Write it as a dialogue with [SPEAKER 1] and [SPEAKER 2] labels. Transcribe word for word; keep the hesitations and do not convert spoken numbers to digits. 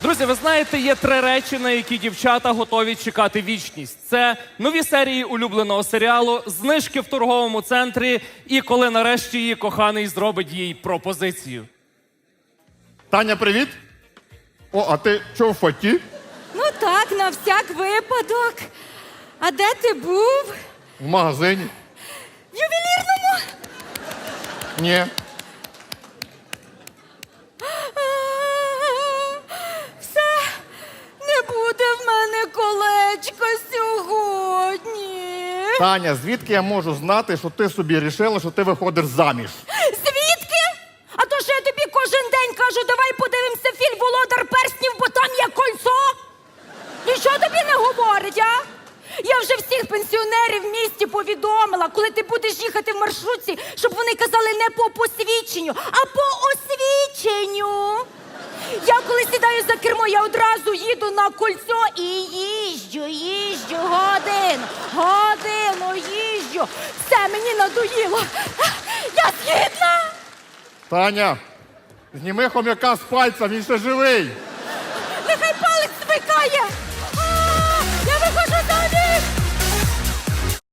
[SPEAKER 1] Друзі, ви знаєте, є три речі, на які дівчата готові чекати вічність. Це нові серії улюбленого серіалу, знижки в торговому центрі і коли нарешті її коханий зробить їй пропозицію.
[SPEAKER 2] Таня, привіт. О, а ти чого в фаті?
[SPEAKER 3] Ну так, на всяк випадок. А де ти був?
[SPEAKER 2] В магазині.
[SPEAKER 3] В ювелірному?
[SPEAKER 2] Ні.
[SPEAKER 3] Все, не буде в мене колечка сьогодні.
[SPEAKER 2] Таня, звідки я можу знати, що ти собі рішила, що ти виходиш заміж?
[SPEAKER 3] Звідки? А то що я тобі кожен день кажу, давай подивимося фільм «Володар перснів», бо там є кольцо. Нічого тобі не говорить, а? Я вже всіх пенсіонерів в місті повідомила, коли ти будеш їхати в маршрутці, щоб вони казали не по посвідченню, а по освіченню. Я коли сідаю за кермо, я одразу їду на кольцо і їжджу, їжджу, годину, годину їжджу. Все, мені надоїло. Я згідна.
[SPEAKER 2] Таня, зніми хом'яка з пальця, він ще живий.